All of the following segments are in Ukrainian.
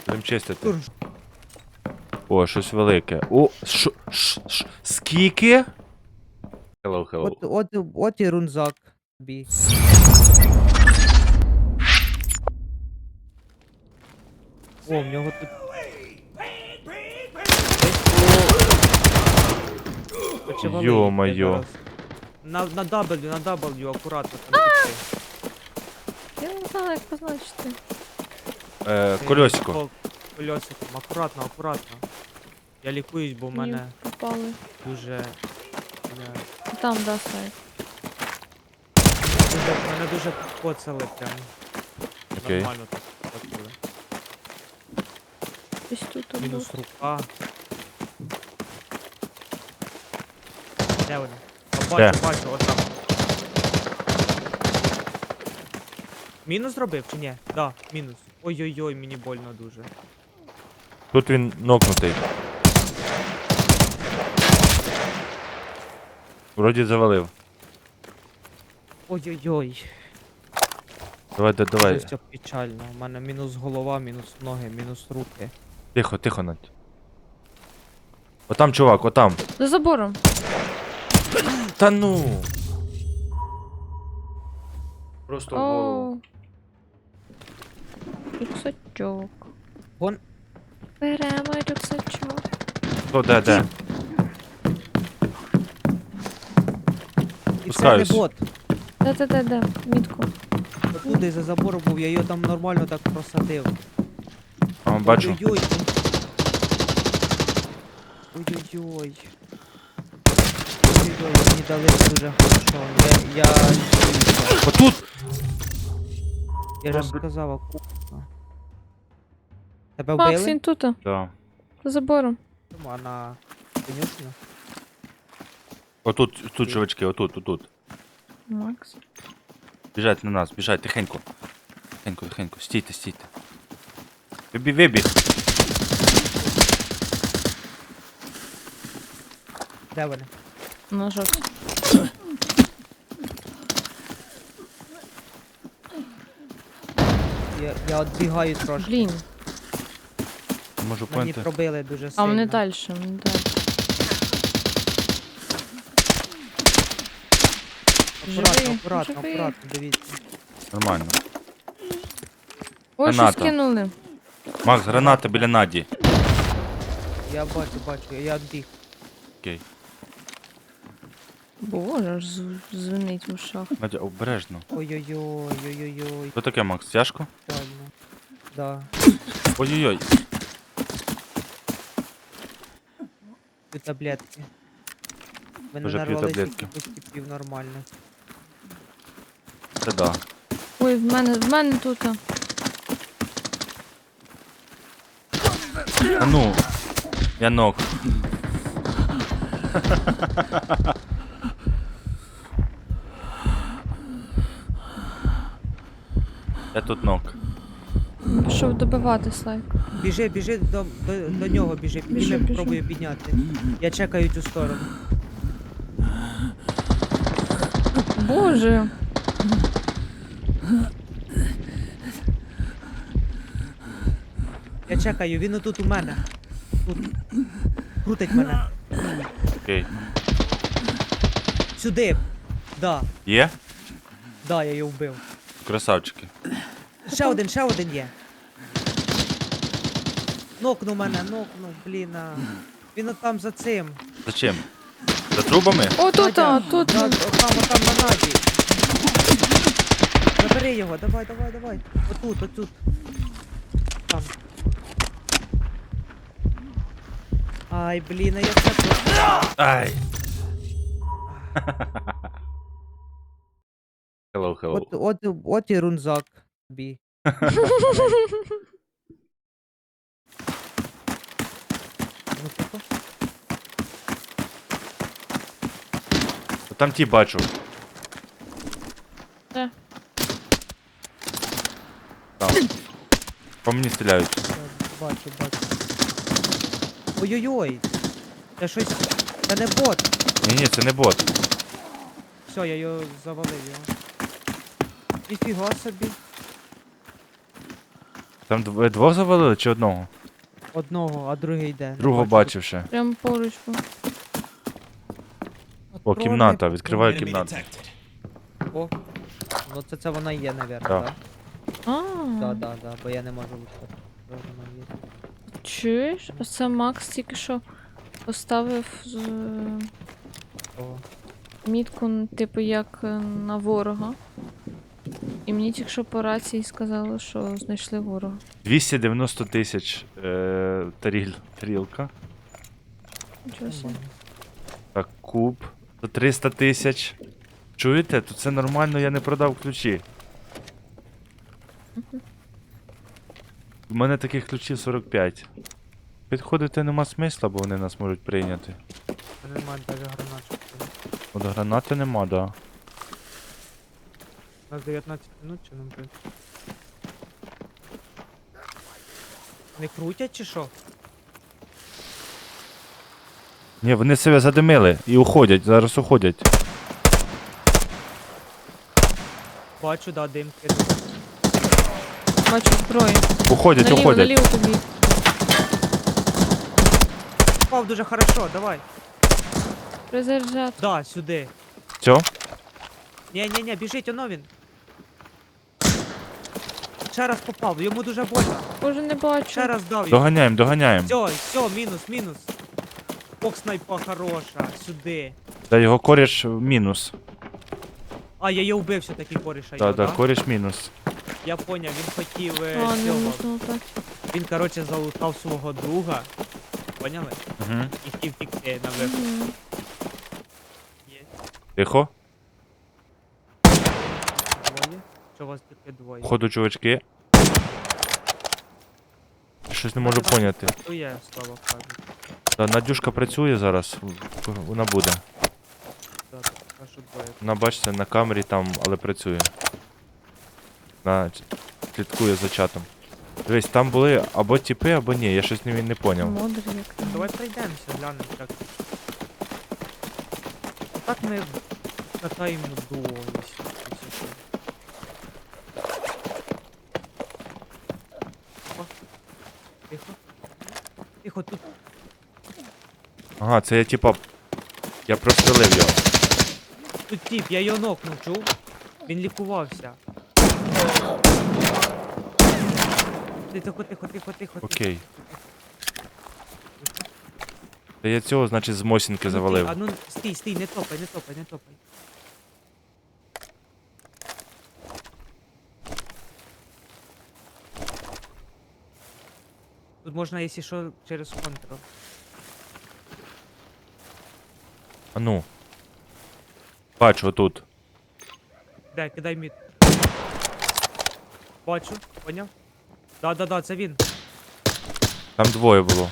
Будем чистити. Тур. О, щось велике. О, скільки? Hello. От і рунзак. Бі. О, в нього тут. Очевидно, Йо-моє. На W, акуратно там піти. Я не знала, як позначити. Колесико. Колесиком, акуратно. Я лікуюсь, бо в Мені мене попали. дуже... Там, да, сайт. Мене дуже поцали прям. Окей. Нормально так поцали. Десь тут був. Мінус рука. Де вони? Бачу, отам. Мінус зробив чи ні? Да, мінус. Ой-ой-ой, мені больно дуже. Тут він нокнутий. Вроді завалив. Ой-ой-ой. Давай. Це печально. У мене мінус голова, мінус ноги, мінус руки. Тихо, Надь. Отам чувак, отам. За забором. Та ну. Просто в голову. О. Рюксачок. Вон. Беремо рюксачок. О, де? І це не Спускаюсь. бот. Де. Мітку. Отуди за забором був, я його там нормально так просадив. Бачу. Ой-ой-ой. Ой-ой-ой. Ой-ой-ой, мені дали дуже хорошо. Я Отут! Я ж сказав, акуратно. Тебе Макс, вбили? він тут. Да. За забором. А на конюшню? Тут чувачки, отут. Макс. Біжать на нас, біжать, тихенько. Тихенько. Стійте. Вибіг. Де вони? На жовтій. Я відбігаю трошки. Блін. Можу Мені поняти. пробили дуже А сильно. вони далі, Акуратно, дивіться. Нормально. Ой, що Граната. скинули. Макс, граната біля Наді. Я бачу, я відбіг. Окей. Боже, аж звенить в ушах. Надя, обережно. Ой-ой-ой. Що таке, Макс? Тяжко? Правильно. Да. Ой-ой-ой. Тут таблетки. Ви не Тоже п'ю нарвались таблетки. якихось типів нормально. Це да. Ой, в мене тут. А ну. Я ног. Я тут ног. Пішов добивати слайк. Біжи до нього, біжи. Біжу. Пробую підняти. Я чекаю цю сторону. Боже. Я чекаю, він отут у мене. Тут. Крутить мене. Окей. Сюди. Да, Є? я його вбив. Красавчики. Ще один є. Нокнув мене, блін. Він отам за цим. Зачем? За трубами? О, тут, Надя, тут. Отам на наді. Забери його, давай. Отут. Там. Ай, блін, я це просто... Ай. Hello. От і рунзак. Бі. Ну, тихо. Там ті бачу. Де? Там. По мені стріляють. Бачу. Ой-ой-ой. Це щось... Це не бот. Ні, це не бот. Все, я його завалив його. Ніфіга собі. Там двох завалили чи одного? Одного, а другий йде. Не Другого бачу. бачив ще. Прям поруч був. О, Патрони, кімната, відкриваю Enemy кімнату. detected. О, ну це вона є, навірно, Да. так? А, Да, бо я не можу виходити. Вона є. чуєш? Оце Макс тільки що поставив О, мітку, типу, як на ворога. І мені тільки що по рації сказали, що знайшли ворога. 290 тисяч тарілка. Нічого собі. нормально. Так, куб. За 300 тисяч. Чуєте? Тут це нормально, я не продав ключі. У мене таких ключів 45. Підходити нема смисла, бо вони нас можуть прийняти. Це немає навіть гранат. От гранати нема, да. У нас 19 минут чи нам буде? Не крутять чи що? Ні, вони себе задимили і уходять, зараз уходять. Бачу, да, димки. Бачу зброю. Уходять, Наліво, уходять. наліво тобі. Попав дуже хорошо, давай. Призаряджати. Да, сюди. Все? Ні, біжить, оно він. Ще раз попав, йому дуже больно. Боже, не бачу. Ще раз дав йому. Доганяємо, доганяємо. Все, мінус. Ох, снайпа хороша, сюди. Та його коріш мінус. А, я її вбив все-таки коріша. Так, його, так, да? коріш мінус. Я поняв, він хотів А, не цього. можна так. Він, коротше, залутав свого друга. Поняли? Угу. І хотів втікти на виход. Мгм. Є. Тихо. Двоє. Що у вас тільки двоє? Ходу, чувачки. Щось не можу поняти. То є, слава кажу. Та Надюшка працює зараз. Вона буде. Да, так, кажу двоє. Вона бачите на камері там, але працює. Вона слідкує за чатом. Дивись, там були або тіпи, або ні, я щось не поняв. Модер як там. Давай пройдемося, глянемо як. Так ми катаємо дуо. якщо. Опа. Тихо. Тихо, тут. Ага, це я типа. Я прострелив його. Тут тип, я його нокнув, чув? Він лікувався. Тихо. Окей. Та я цього, значить, з Мосінки завалив. А ну стій, не топай. Тут можна, якщо що, через контрол. А ну. Бачу, отут. Де, кидай мід. Бачу, поняв? Да, це він. Там двоє було.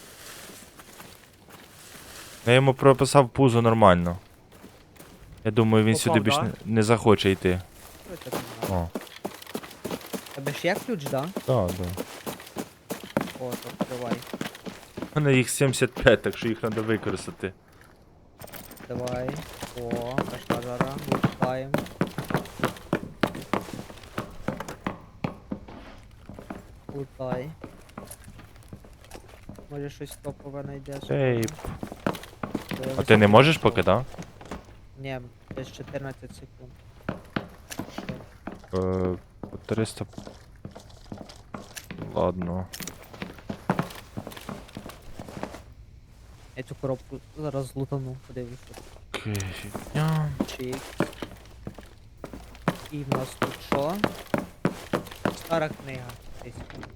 Я йому прописав пузо нормально. Я думаю, він Попав, сюди більш да? не захоче йти. Що це там? О. Тебе ж є ключ, да? Так, так. О, то відкривай. У мене їх 75, так що їх треба використати. Давай. О, пошла жара. Лутаємо. Лутай. Може щось топове знайдеш. Ей, Це а ти не високо можеш топове. поки, так? Ні, десь 14 секунд. По 300. Ладно. Я цю коробку зараз лутану, подивлюся. Окей. Я... Чик. І в нас тут що? Стара книга. Десь.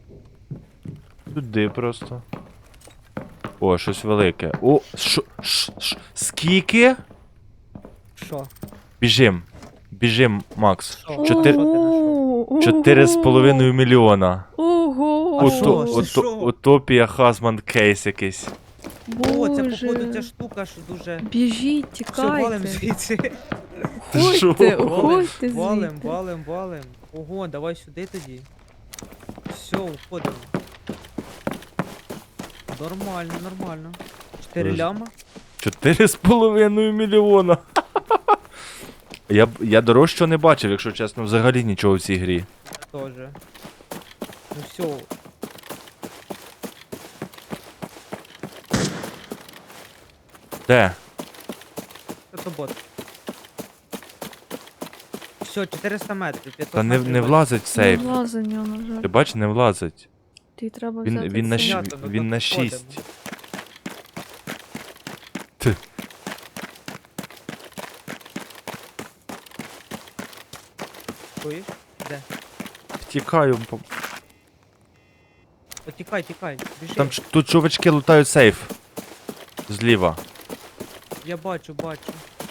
Туди просто. О, щось велике. О, скільки? Що? Біжим, Макс. Що? Чотири- Ого, 4,5 мільйона. Ого. А що? Це що? Утопія Хазман кейс якийсь. О, це Боже. походу ця штука, що дуже... Біжіть, Все, валим тікайте. звідси. Що? Уходьте, Валим, уходьте звідти. валим. Ого, давай сюди тоді. Все, уходимо. Нормально. 4 Дуже. ляма. 4,5 мільйона. Я дорожчого не бачив, якщо чесно, взагалі нічого в цій грі. Тоже. Ну все, Де? це то бот. Все, 400 метрів. 500 Та не метрів влазить в Не сейф. влазить в нього, на жаль. Ти бач, не влазить. Тобі треба Він, взяти він, на, цей. щ- Понятно, ну він то на підходимо. 6. Чуєш? Де? Втікаю. О, тікай, тікай, біжи. Там тут чувачки лутають сейф. Зліва. Я бачу, бачу.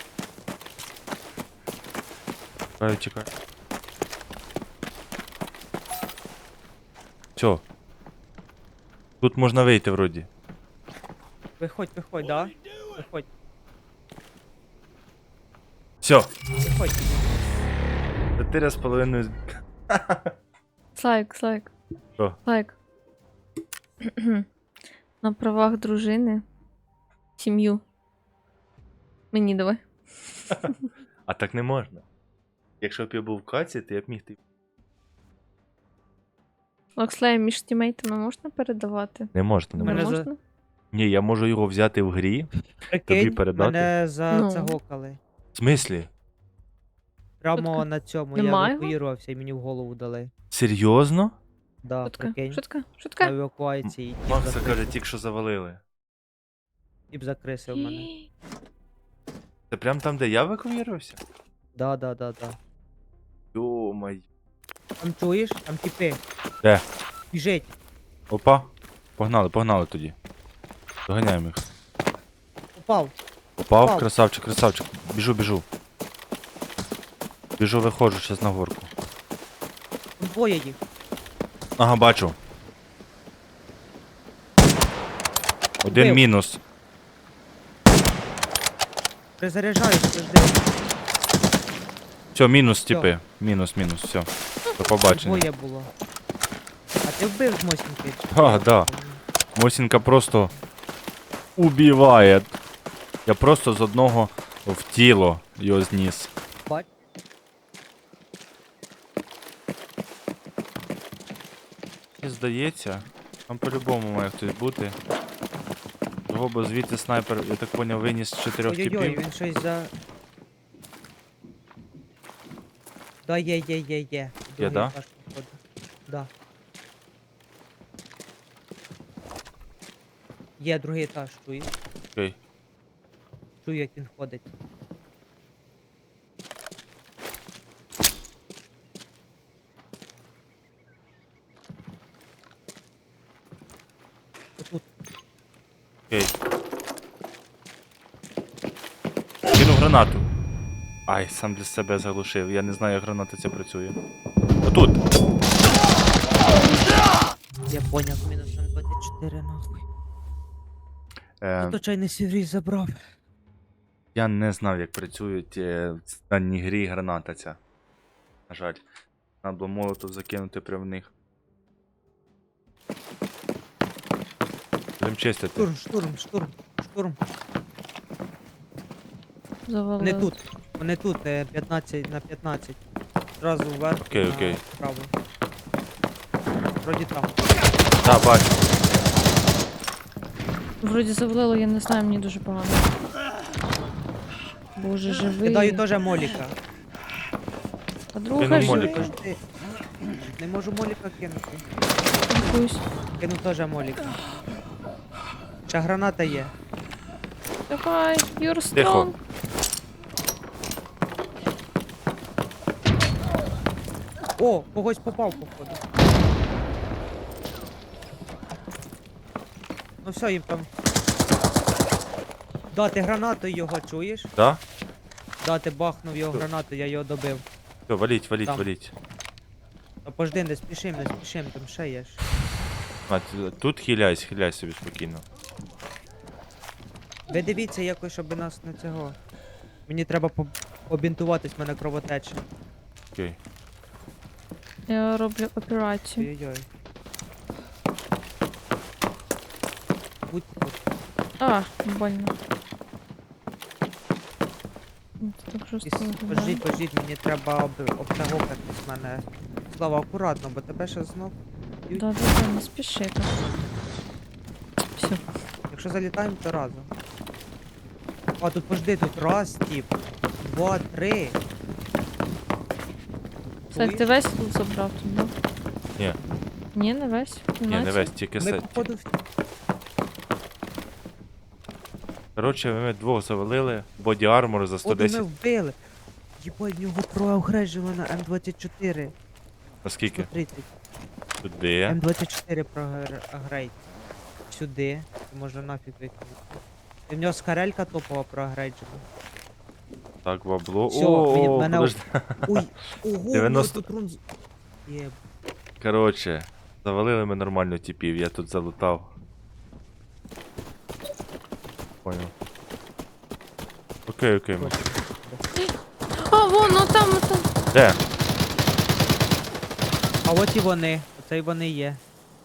Тікаю, тікаю. Все. Тут можна вийти вроді. Виходь, виходь, да? Виходь, Все. виходь. 4,5. Слайк, слайк. Що? Слайк. На правах дружини. Сім'ю. Мені давай. А так не можна. Якщо б я був в каці, то я б міг ти. Локслей між тімейтами можна передавати? Не можна, не Мене Не можна. за- можна? Ні, я можу його взяти в грі. Прикинь, передати? мене Ну. загокали. В смислі? Прямо Шутка. на цьому Нема я його? евакуювався і мені в голову дали. Серйозно? Да, Шутка, прикинь. шутка, На шутка. евакуації. Макса каже, тільки що завалили. Тіп закрисив мене. Це прям там, де я евакуювався? Да, да, да, да. Йомай. Там чуєш? Там тіпи. Де? Біжить. Опа. Погнали, погнали тоді. Доганяємо їх. Попав. Попав, Попав. красавчик, красавчик. Біжу, біжу. Біжу, виходжу зараз на горку. Там двоє їх. Ага, бачу. Один Вбив. мінус. Призаряджаюсь, подожди. Все, мінус, Всьо. типи. Мінус, мінус, все. До побачення. Двоє було. А ти вбив з Мосінки? А, да. Мосінка просто убиває. Я просто з одного в тіло його зніс. Бач. Мені здається, там по-любому має хтось бути. Того бо звідти снайпер, я так поняв, виніс 4 Ой-ой-ой, типів. він щось за... Да, є. Другий да? етаж, походу. Да. Є другий етаж, чуєш? Окей. Чую, як він ходить. Отут. Окей. Кинув гранату. Ай, сам для себе заглушив. Я не знаю, як граната ця працює. Отут! Я поняв, мінус М24 нахуй. То чайний сіврій забрав. Я не знав, як працюють в даній грі граната ця. На жаль. Треба було молотов закинути прямо в них. Будемо чистити. Штурм. Завалили. Вони тут. Вони тут, 15 на 15. Зразу вверх. Окей, на окей. Право. Вроді там. Так, бачу. Вроді завалило, я не знаю, мені дуже погано. Боже, живий. Кидаю теж моліка. Подруга Кинув живий. моліка. Подожди. Не можу моліка кинути. Якусь. Кину теж моліка. Ще граната є. Давай, you're Тихо. strong. О, когось попав, походу. Ну все, їм там. Дати гранату його, чуєш? Да? Дати бахнув його гранату, я його добив. Все, валіть, валіть, Там. валіть. Та пожди, не спішим, там ще є ж. А, тут хиляйся собі спокійно. Ви дивіться якось, щоб нас не цього. Мені треба побінтуватись, в мене кровотеча. Окей. Я роблю операцію. Ой-ой-ой. Будь тут. А, больно. Це так жорстко виглядає. Пождіть, мені треба обтягокатись мене. Слава, акуратно, бо тебе ще знов б'ють. Да, не спіши там. Все. Якщо залітаємо, то разом. А, тут пожди, тут раз, тип. 2, 3. Слайк, ти весь тут забрав тут, да? Ні. Ні, не весь. Ні, не Кімнаті? весь, тільки Ми, сет. походу, Коротше, ми двох завалили, боді армор за походу ми 110. вбили. Єбать, в нього проагреджено на М24. Наскільки? 130. Туди. М24 прогрейд. Сюди. Можна нафіг викинути. І в нього скарелька топова прогрейджена. Так, бабло. Всьо, О, мене- подожди. Ой, ого, 90. тут рун... Єб. Коротше, завалили ми нормально типів, я тут залутав. Понял. Окей, окей. А, вон, ну там, ну там. Де? А от і вони. Оце й вони є.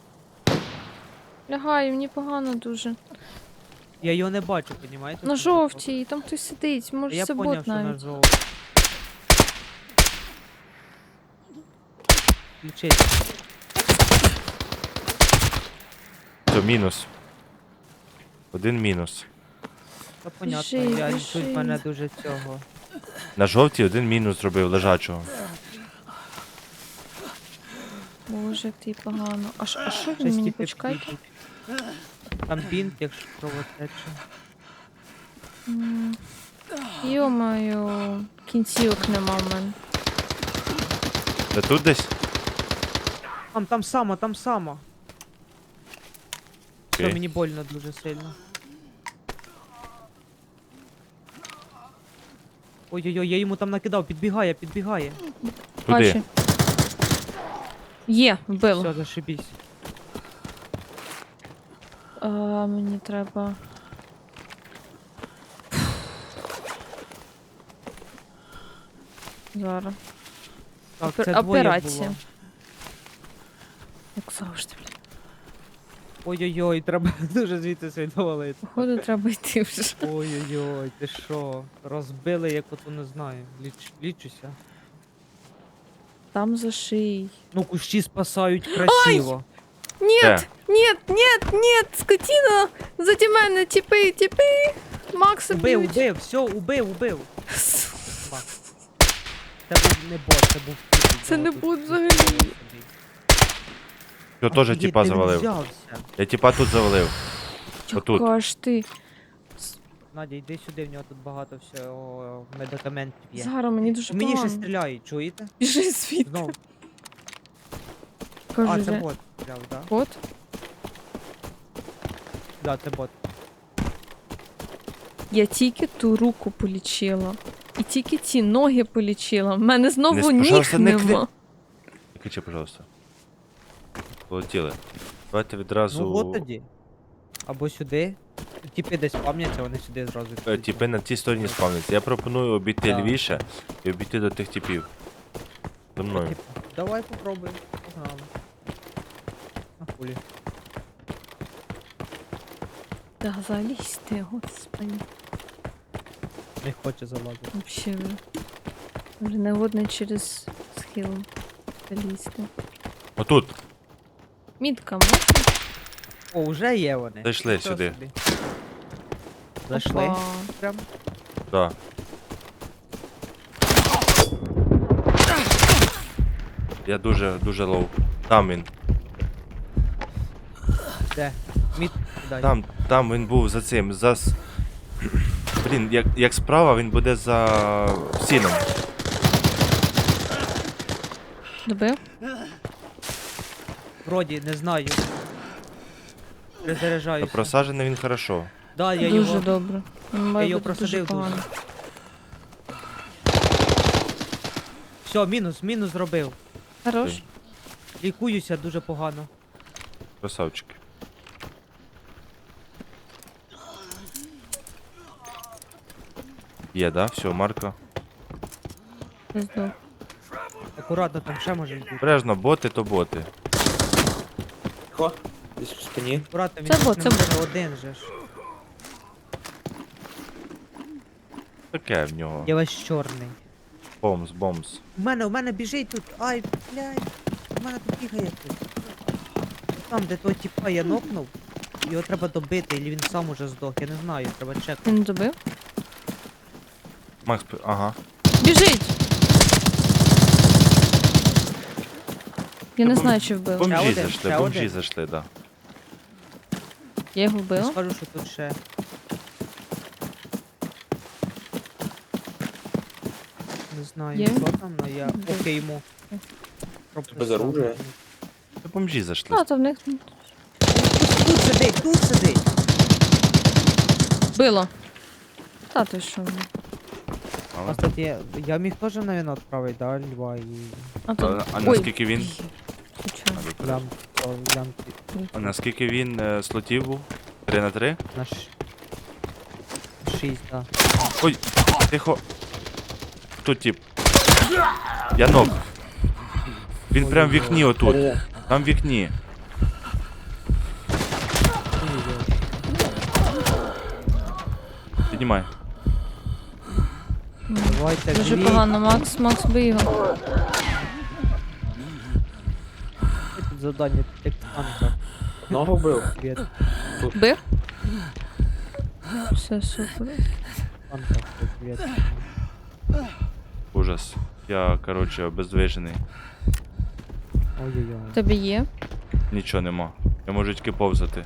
Лягаю, мені погано дуже. Я його не бачу, понімаєте? На жовтій, там хтось сидить, може Я це поняв, бот що на навіть. жовтій. Включить. Це мінус. Один мінус. Та понятно, Біжи, я біжи. тут мене дуже цього. На жовтій один мінус зробив лежачого. Боже, як ти погано. А що він Щось мені типу почекай? підійдуть. Там бінт, якщо кровотече. Йо-моє, кінцівок нема в мене. Та тут десь? Там само, там само. Все, Окей. мені больно дуже сильно. Ой-ой-ой, я йому там накидав, підбігає, підбігає. Туди. Бачу. Є, вбило. Все, зашибісь. Мені треба. Зараз. Так, Опер- це двоє операція. було. Як завжди, блін. Ой-ой-ой, треба дуже звідти свідовалити. Походу, треба йти вже. Ой-ой-ой, ти що? Розбили, як ото не знаю. Лічуся. Там за шиєю. Ну, кущі спасають красиво. Нет, Де? нет, нет, нет, скотина! Заді мене, тіпи, тіпи! Макса Убив, б'ють. убив, все, убив. Макс. Це був не бот, це був тіп. Це не Тут бот тут взагалі. собі. Я теж Офігеть, тіпа де він завалив. взявся? Я тіпа тут завалив. Отут. Яка ж ти? Надя, йди сюди, в нього тут багато всього медикаментів є. Зараз мені дуже Мені ще погано. стріляють, чуєте? Біжи звідти. Знов. Кажу, А, це де? бот стріляв, так? От. Да, це бот. Я тільки ту руку полічила. І тільки ті ноги полічила. В мене знову Не, ніг пожалуйста, не нема. Не кричи, пожалуйста. Полетіли. Давайте відразу. Ну от тоді. Або сюди. Тіпи десь пам'ятаються, вони сюди зразу. йдуть. Тіпи на тій стороні спавняться. Я пропоную обійти Да. лівіше і обійти до тих типів. За мною. Типу, давай попробуємо. Погнали. На хулі. Та залізьте, господи. Не хоче залазити. Вообще ви. Вже негодний через схил залізти. Отут. Мітка можна? О, вже є вони. Зайшли Нічого сюди. собі. Зайшли. Опа. Прям. Да. Я дуже лоу. Там він. Де? Мід кидай. Там він був за цим. Блін, як справа він буде за сіном. Добив? Вроді, не знаю. Та Перезаряджаюся. просаджений він хорошо. Да, я Дуже його... добре. Він має його бути дуже просадив дуже. погано. Все, мінус зробив. Хорош? Окей. Лікуюся дуже погано. Красавчики. Є, да? Все, Марко. Здох. Акуратно, там ще може бути. Бережно, боти то боти. Тихо, десь в спині. Акуратно, він Це тут бот, не це може один же ж. Таке в нього. Я весь чорний. Бомс. У мене біжить тут. Ай, блядь. У мене тут бігає хтось. там, де того тіпа я нокнув. Його треба добити, або він сам уже здох, я не знаю, треба чекати. Він добив. Макс, ага. Біжить! Я не Та знаю, чи вбила. Бомжі один, зайшли, ще бомжі один. зайшли, да. Я його Я вбила. скажу, що тут ще. Не знаю, Є? що там, але я Де? поки йому. Без оружия? Це бомжі зайшли. А, то в них Тут сидить! било. Та ти що? Але- Кстати, я міг теж, навіть, відправити, да, льва і А то... А Ой, наскільки він? случайно. лям, лямки А наскільки він слотів був? 3 на 3? на 6, да. Ой, тихо. Тут тип. Я ног. Він прям в вікні отут. Де? Там в вікні. Піднімай. Давайте, Дуже дві. погано, Макс бий його. Тут завдання, як танка. Ногу бив? Привіт, Бив? Все, супер. танка, привіт. Ужас. Я, короче, обездвижений. Ой-ой-ой. Тобі є? Нічого нема. Я можу тільки повзати.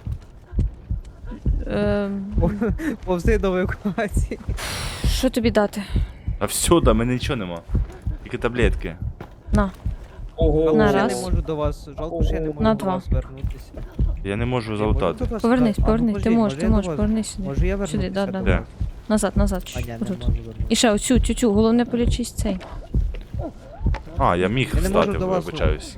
Повзи до евакуації. Що тобі дати? А всюди, мене нічого нема. Тільки таблетки. На. Ого. На Жалко, що я раз. не можу до вас, жалко, що я не можу На до два. вас вернутися. Я не можу Я залутати. можу до вас Повернись, вер- А, ну, повернись. Ти подожди, можеш, я до вас- повернись сюди. Можу я вернутися? Сюди, да. до Де? вас? Назад, А, ні, не отут. можу вернутися. І ще оцю, тю-тю, головне полічись цей. А, я міг Я не можу встати, до вас вибачаюсь.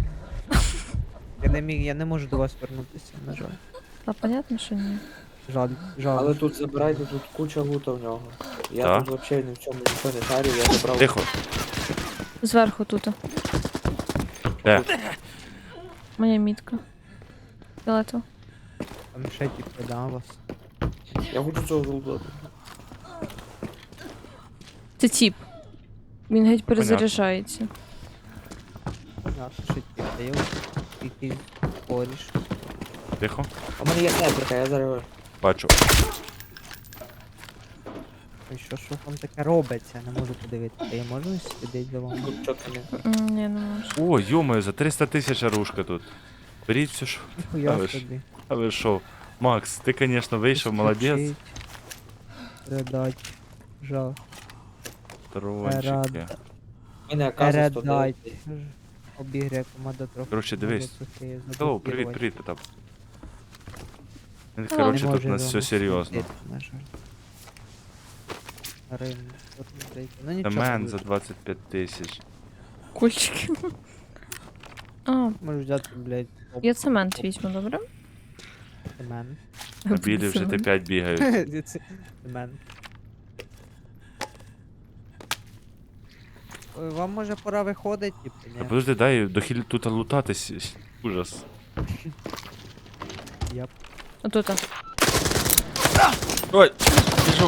Я не можу до вас вернутися, на жаль. Та понятно, що ні. Жаль, Але тут забирайте, тут куча лута в нього. Я Так. тут взагалі ні в чому нічого не шарю, я забрав. Тихо. Зверху тут. Де? Моя мітка. Фіолетово. Там ще типу, да, вас. Я хочу цього золота. Це тіп. Він геть перезаряджається. Понятно, що типу, я якийсь коріш. Тихо. А в мене є снайперка, я зараз. Бачу. Ой, що там таке робиться, не можу подивитися. Я можу сидіти за вами? Тут чітко Ні, не. не можу. О, йомаю, за 300 тисяч оружка тут. Беріть все, що. Ніхуя ви ж. собі. А ви що? Макс, ти, звісно, вийшов, молодець. Включить, Передать. Жах. Трончики. У мене аказа 109. Передать. Обіграє команда трохи. Коротше, дивись. Трохи Hello, привіт, заблокувати. привіт, Потап. Не Коротше, тут може у нас за все нас серйозно. сидіти, на жаль. Рим, от не здається. Ну нічого. Домен за буде. 25 тисяч. Кульчики. А, Можу взяти, блядь, я цемент візьму, добре? Мен. На білі вже Т5 бігають. Мен. Ой, вам може пора виходить, типу, Та ні? подожди, дай дохіль тут лутатись. Ужас. Я Отут. Ой, біжу.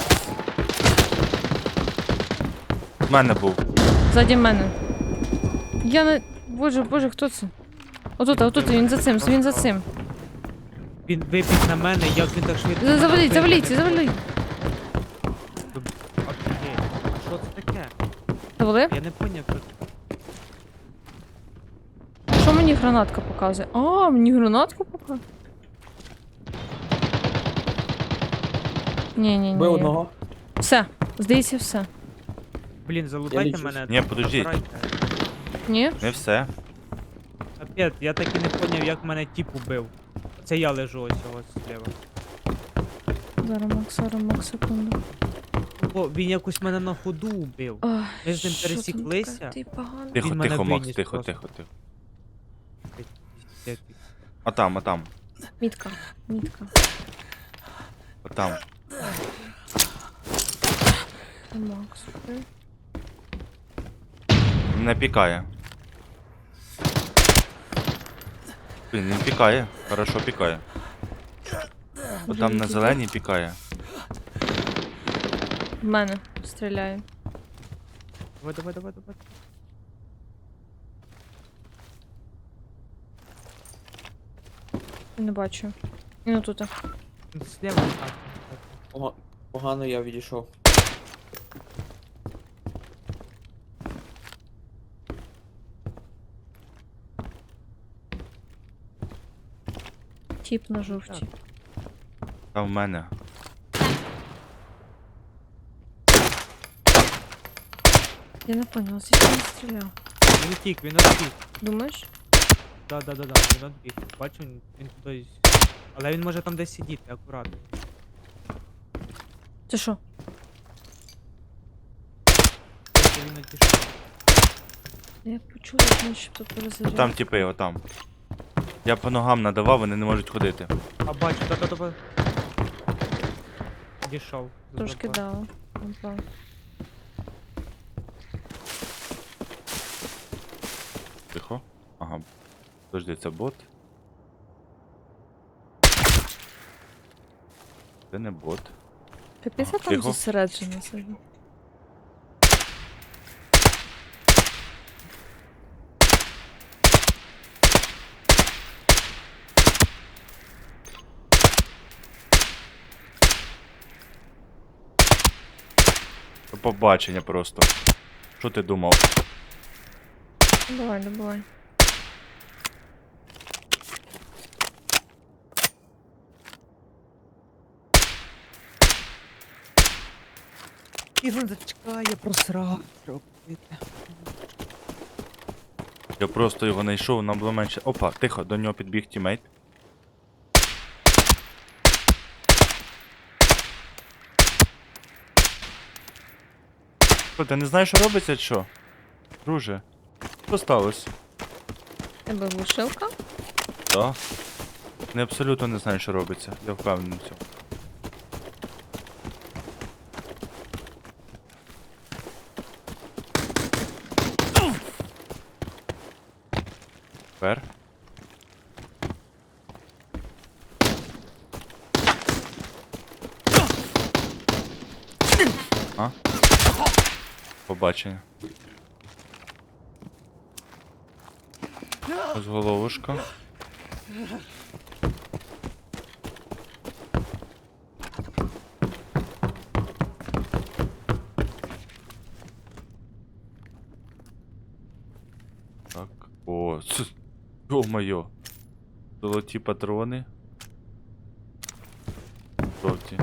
В мене був. Ззаді мене. Я не. Боже, хто це? Отут, він за цим, він за цим. Він вибіг на мене, як він так швидко. Заваліть. Офігеть, а що це таке? Завалив? Я не поняв, що Що мені гранатка показує? А, мені гранатку показує? Ні. Бив одного. Все, здається, все. Блін, залутайте лічусь. мене. Ні, подождіть. забирайте. Ні? Не все. Капець, я так і не поняв, як мене тіп убив. Це я лежу ось ось зліва. Зараз, Макс, секунду. Бо він якось мене на ходу убив. Ой, Ми з ним що там пересіклися? таке? Ти погано. Тихо, Він мене тихо, Макс, виніс тихо, просто. тихо, тихо. Це- А там. Мітка. Отам. Макс. окей. Мене пікає. Блін, він пікає. Хорошо пікає. Отам на зеленій пікає. В мене стріляє. Давай. Не бачу. Ну тут. Слева так. Погано я відійшов. Тіп на жовтій. Там в мене. Я не поняла, звідки він стріляв. Він утік, він утік. Думаєш? Да, він відбіг. Бачу, він туди. Але він може там десь сидіти, акуратно. Це що? Тобто він одійшов. Я почула, як начебто перезаряд. Там типи, отам. Я по ногам надавав, вони не можуть ходити. А бачу, та. Дійшов. Трошки дала. Напав. Тихо. Ага. Подожди, це бот. Це не бот. Капець, А, я там тихо. зосереджена сьогодні. До побачення просто. Що ти думав? Давай, давай. І він зачекає, просрав. Робити. Я просто його знайшов, нам було менше. Опа, тихо, до нього підбіг тімейт. Що, ти не знаєш, що робиться, чи що? Друже, що сталося? Тебе глушилка? Так. Не абсолютно не знаю, що робиться. Я впевнений в цьому. Тепер. А? Побачення. Ось головушка. Так. О, ё-моё. Золоті патрони. Жовті.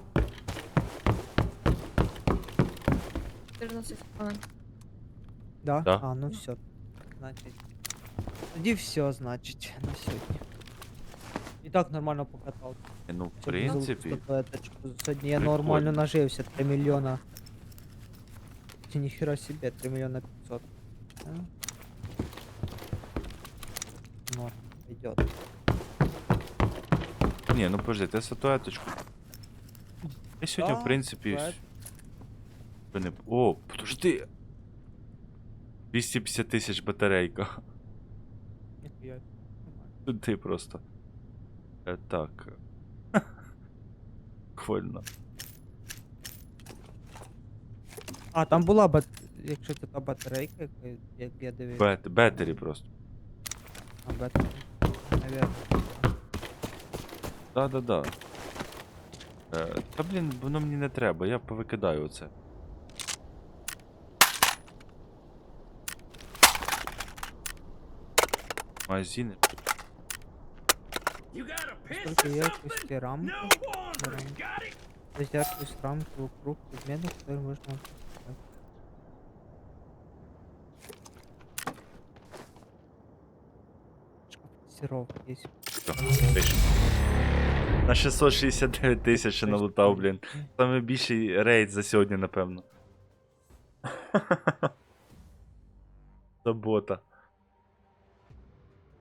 14 хвилин. Да? Да. А, ну все. Значить. Тоді все, значить, на сьогодні. І так нормально покатав. Ну, в Сьогодні золоту принципі. статуеточку. Сьогодні я Прикольно. нормально нажився, 3 мільйона. Чи ніхера себе, 3 мільйона 500. А? Норм, идет. Ні, ну подожди, ти статуеточку. Я сьогодні, в Да, принципі. статует. О, подожди. 250 тисяч батарейка. Ніхуя. Нормально. Ти просто. Так. Прикольно. А, там була якщо це та батарейка, як я дивився. Бетері просто. А, батарейка. Наверно. Да-да-да. Та блін, воно мені не треба, я повикидаю оце. Магазини. Сколько яркости рамки? То есть яркость рамки вокруг предметов, которые можно отпускать. Шкафтировка есть. Все, вийшов. На 669 тисяч налутав, блін. Саме більший рейд за сьогодні, напевно. Забота.